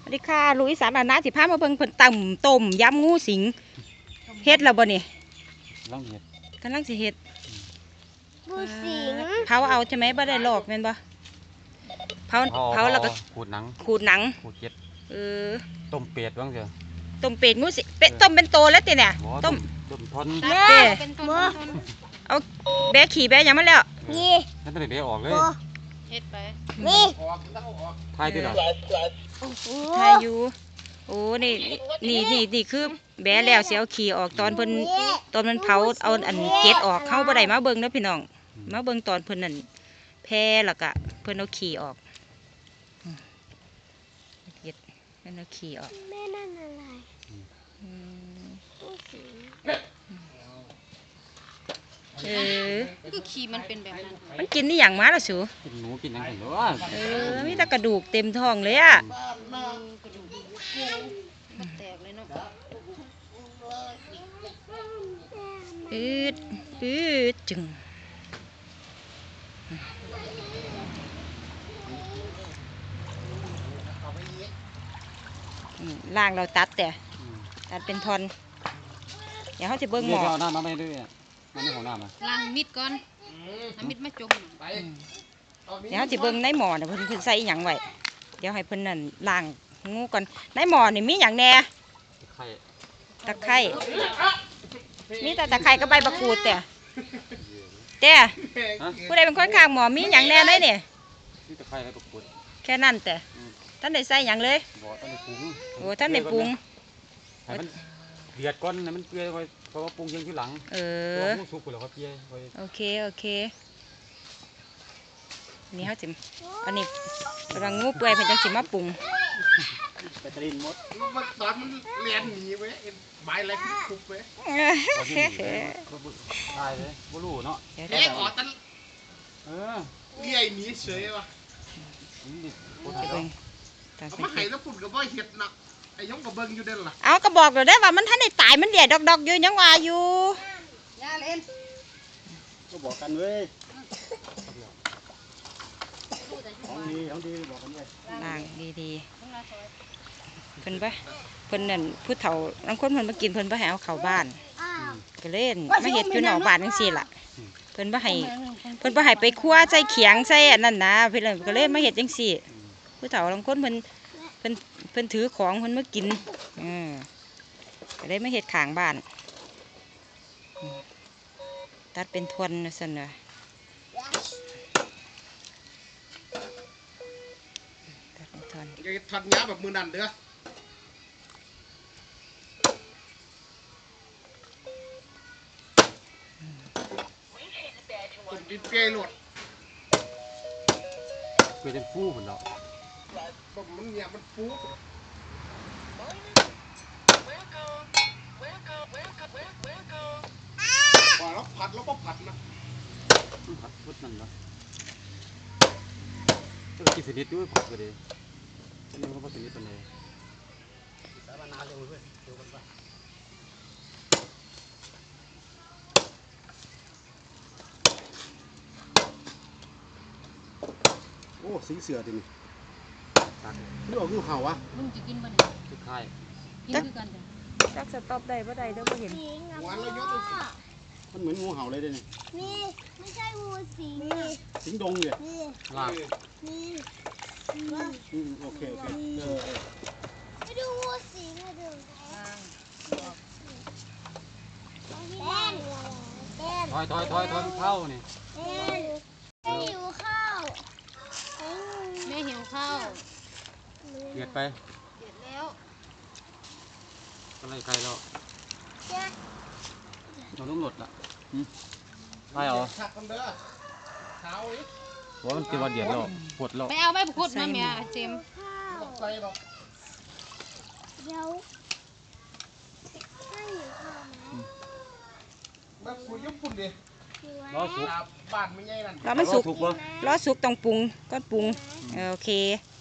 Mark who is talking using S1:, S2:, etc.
S1: สวัสดีค่ะลุยสารอาณาสิพามาเบิ่งเพิ่นตำต้มยำงูสิงเฮ็ดแล้วบ่นี่กำลังสิเฮ็ด
S2: งูสิง
S1: เผาเอาใช่ไหมบ่ได้ลอกแม่นบ่เผาแล้วก็ขูดหนังขูดเก็ดต้มเป็ดบ้างเถอะต้มเป็ดงูสิเป็ดต้มเป็นโตแล้วติเนี่ยต้มทน
S2: เป็นต้น
S1: เอาแบะขี่แบะยังมาแล้ว
S2: นี่
S3: นั่นต้องแบะออกเลย
S2: เฮ็ดไปนี่
S3: ทายที่หรอ
S1: ทายอยู่โอ้นี่คือแบะแล้วเสียเอาขี่ออกตอนเพิ่นตอนมันเผาเอาอันเก็ดออกเข้าบ่ได้มาเบิ่งเด้อพี่น้องมาเบิ่งตอนเพิ่นนั่นแพ้แล้วก็เพิ่นเอาขี่ออกเก็ดเพิ่นเอาขี่ออก
S2: แม่นั่นอะไร
S1: ก็
S2: ขี่มันเป็นแบบนั้น
S1: มันกินนี่อย่างมาแล้วสู
S3: กินหนูกินยังไงหรอ
S1: มีแต่กระดูกเต็มท้องเลยอ่ะ
S2: กระดูกแตกเลยเนาะ
S1: อืดจึงล่างเราตัดเป็นทอนเดี๋ยวเขาจะเบิ้งหมอ
S3: เอาน้ำมาไม่ด้วยมันไม่ของน้ำอ่ะ
S2: ล้างมิดก่อนน้ำมิดมาจุ่ม
S1: เดี๋ยวเขาจะเบิ้งในหมอเนี่ยเพิ่นใส่หยังไว้เดี๋ยวให้เพิ่นนั่นล่างงูก่อนในหมอนี่มีหยังแน่ตะไคร้มีแต่ตะไคร้กับใบมะกรูดแต่ผู้ใดเป็นคนข้างหมอมีหยังแน่เลยเนี่ย
S3: ตะไคร้กับมะกรูด
S1: แค่นั้นแต่ท่านได้ใส่หยังเลยโอ้ท่านได้ปรุง
S3: เดือดก้อนนะมันเกลือไว้เพราะว่าปรุงยังที่หลังสุกไปแล้วก็เกลือ
S1: โอเคนี่เขาจิอันนี้กำลังงูเปื่อยเพิ่นจังสิมาปรุง
S4: ไปตรินมดมันตอนมันเรียนหนีไว้ใบอะไรคุบไว้
S3: ตายเลยบ่รู้เนาะ
S4: เอ๊ะขอตันเลี้ยหนีเฉยวะมาไห้แล้วปุ่นกับว่าเห็ดหนักไอ้ยงกับเบิ้งอยู่เด่นล่ะ
S1: เอาก็บอกเลยได้ว่ามันท่านได้ตายมันเดียดดอกอยู่ยังว่าอยู่
S2: ย่าเล่น
S4: ก็บอกกันเว้ยของดีบอกกันเลย
S1: ล่างดีเพิ่นนั่นผู้เฒ่าบางคนเพิ่นมากินเพิ่นบ่ให้เอาเข้าบ้านก็เล่นมาเฮ็ดอยู่นอกบ้านจังซี่ล่ะเพิ่นบ่ให้ไปคั่วใส่เขียงใส่อันนั้นนะเพิ่นก็เล่นมาเฮ็ดจังซี่ผู้เฒ่าบางคนเพิ่นถือของเพิ่นมากินก็เลยมาเฮ็ดข้างบ้านตัดเป็นทวนซั่นน่ะตัดเป็นทวน
S4: อย่าทัดย้าแบบมือนั่นเด้อผมดินเปย์หลด
S3: เกลือเป็นฟูเหมือนเรา
S4: บอกมันเนี่ยมันฟูพอแล้วผัดแล้วก็ผัดนะ
S3: ผัดพุทธนั่นเนาะต้องกินสนิทด้วยผัดก็ดีฉันนึกว่าสนิทเป็นไงสารนาเร็วด้วยเร็วกันไป
S4: โอ้สิงเสือดินี่นี่ออกงูเห่าวะ
S2: มึงจะกินบ่
S3: เนี่ยทุกค่าย
S2: กินด้วยกัน
S1: จักสต็อปได้บ่ได้เด้อบ่เห็น
S4: วันเรายกมันเหมือนงูเห่าเลยเด้นี่
S2: นี่ไม่ใช่งูสิง
S4: สิงดงเนี่ย
S3: ลาก
S2: นี่
S4: โอเค
S2: ไปดูงูสิงมาดู
S3: ถอยเข้านี่
S2: แม่หิวข้าวแม่หิวข้าว
S3: เดือดไป
S2: เดือดแล้ว
S3: อะไรใครเราเราต้องหลดละใช่เหรอ
S4: ชักกันเด้อเท้าอีก
S3: ว่ามันเป็นวันเดือดแล้วปวดแล้ว
S2: ไปเอาใบพุดมาเมียเจม
S4: ใส่หรอก
S2: เดี๋ยวให้หิวข้าวไหม
S4: แบบคุยญี่ปุ่นดิ
S3: ล้อสุก
S4: บ้านไม่ใหญ่นั่น
S1: ล้อมันสุกล้อสุกต้องปรุงก็ปรุงโอเค